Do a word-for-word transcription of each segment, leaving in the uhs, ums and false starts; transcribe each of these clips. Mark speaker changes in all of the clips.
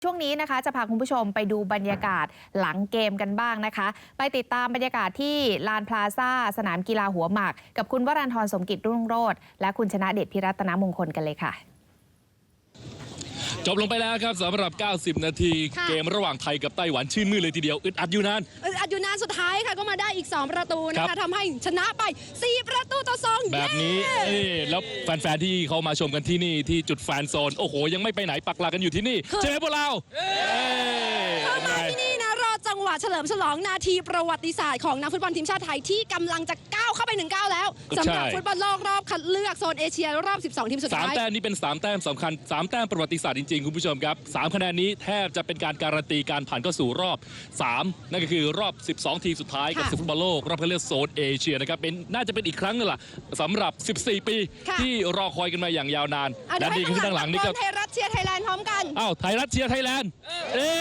Speaker 1: ช่วงนี้นะคะจะพาคุณผู้ชมไปดูบรรยากาศหลังเกมกันบ้างนะคะไปติดตามบรรยากาศที่ลานพลาซ่าสนามกีฬาหัวหมากกับคุณวรันทรสมกิจรุ่งโรจน์และคุณชนะเดชพิรัตนมงคลกันเลยค่ะ
Speaker 2: จบลงไปแล้วครับสำหรับ เก้าสิบ นาทีเกมระหว่างไทยกับไต้หวันชื่นมื่นเลยทีเดียวอึดอัดอยู่นาน
Speaker 3: อึดอัดอยู่นานสุดท้ายค่ะก็มาได้อีกสองประตูนะคะทำให้ชนะไปสี่ประตูต่อสอง
Speaker 2: แบบนี้แล้วแฟนๆที่เขามาชมกันที่นี่ที่จุดแฟนโซนโอ้โหยังไม่ไปไหนปักหลักกันอยู่ที่นี่เจอพวกเรา
Speaker 3: เข้ามาที่นี่นะรอจังหวะเฉลิมฉลองนาทีประวัติศาสตร์ของนักฟุตบอลทีมชาติไทยที่กำลังจะก้าวเข้าไปหนึ่งก้าวแล้วสำหรับฟุตบอลโลกรอบคัดเลือกโซนเอเชียรอบสิบสองทีมสุดท้าย
Speaker 2: สามแต้มนี้เป็นสามแต้มสำคัญสามแต้มประวัติศาสตร์จริงๆคุณผู้ชมครับสามคะแนนนี้แทบจะเป็นการการันตีการผ่านเข้าสู่รอบสามนั่นก็คือรอบสิบสองทีมสุดท้ายกับศึกฟุตบอลโลกรอบคัดเลือกโซนเอเชียนะครับเป็นน่าจะเป็นอีกครั้งนึงล่ะสำหรับสิบสี่ปีที่รอคอยกันมาอย่างยาวนานและดีขึ้นด้านหลังนี่ก็
Speaker 3: ไทยรัฐเชียร์ไทยแลนด์พร้อมกัน
Speaker 2: อ้าวไทยรัฐเชียร์ไทยแลนด์เอ๊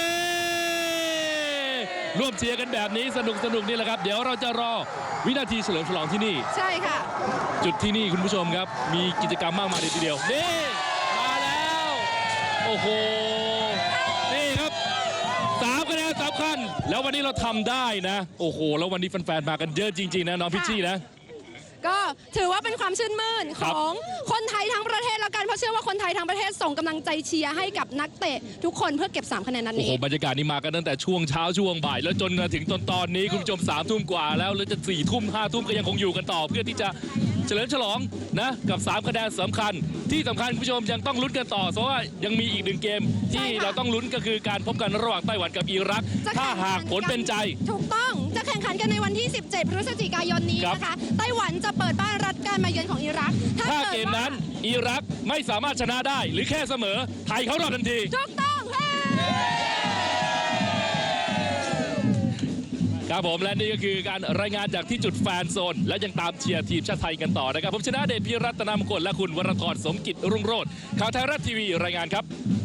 Speaker 2: ร่วมเชียร์กันแบบนี้สนุกสนุกนี่แหละครับเดี๋ยวเราจะรอวินาทีเฉลิมฉลองที่นี่
Speaker 3: ใช่ค่ะ
Speaker 2: จุดที่นี่คุณผู้ชมครับมีกิจกรรมมากมายทีเดียวนี่มาแล้วโอ้โหนี่ครับสามคะแนนสำคัญแล้ววันนี้เราทำได้นะโอ้โหแล้ววันนี้แฟนๆมากันเยอะจริงๆนะน้องพิชชี่นะ
Speaker 3: ก็ถือว่าเป็นความชื่นมื่นของคนไทยทั้งประเทศแล้วกันเพราะเชื่อว่าคนไทยทั้งประเทศส่งกำลังใจเชียร์ให้กับนักเตะทุกคนเพื่อเก็บสามคะแนนนั้นนี้
Speaker 2: โอ้โหบรรยากาศนี้มากันตั้งแต่ช่วงเช้าช่วงบ่ายแล้วจนมาถึงตอนตอนนี้คุณผู้ชมสามทุ่มกว่าแล้วแล้วจะสี่ทุ่มห้าทุ่มก็ยังคงอยู่กันต่อเพื่อที่จะเฉลิมฉลองนะกับสามคะแนนสำคัญที่สำคัญคุณผู้ชมยังต้องลุ้นกันต่อเพราะว่ายังมีอีกหนึ่งเกมที่เราต้องลุ้นก็คือการพบกันระหว่างไต้หวันกับอิรักถ้าหากผลเป็นใจ
Speaker 3: ถูกต้องจะแข่งขันกันในวันที่สิบเจ็ดพฤศจิกายนนี้นะคะไต้หวันจะเปิดบ้านรับการมาเยือนของอิรัก
Speaker 2: ถ้าเกมนั้นอิรักไม่สามารถชนะได้หรือแค่เสมอไทยเขารอดทันที
Speaker 3: ถูกต้อง
Speaker 2: ครับผมและนี่ก็คือการรายงานจากที่จุดแฟนโซนและยังตามเชียร์ทีมชาติไทยกันต่อนะครับผมชนะเดชพิรัตนมงคลและคุณวรทรสมกิจรุ่งโรจน์ข่าวไทยรัฐทีวีรายงานครับ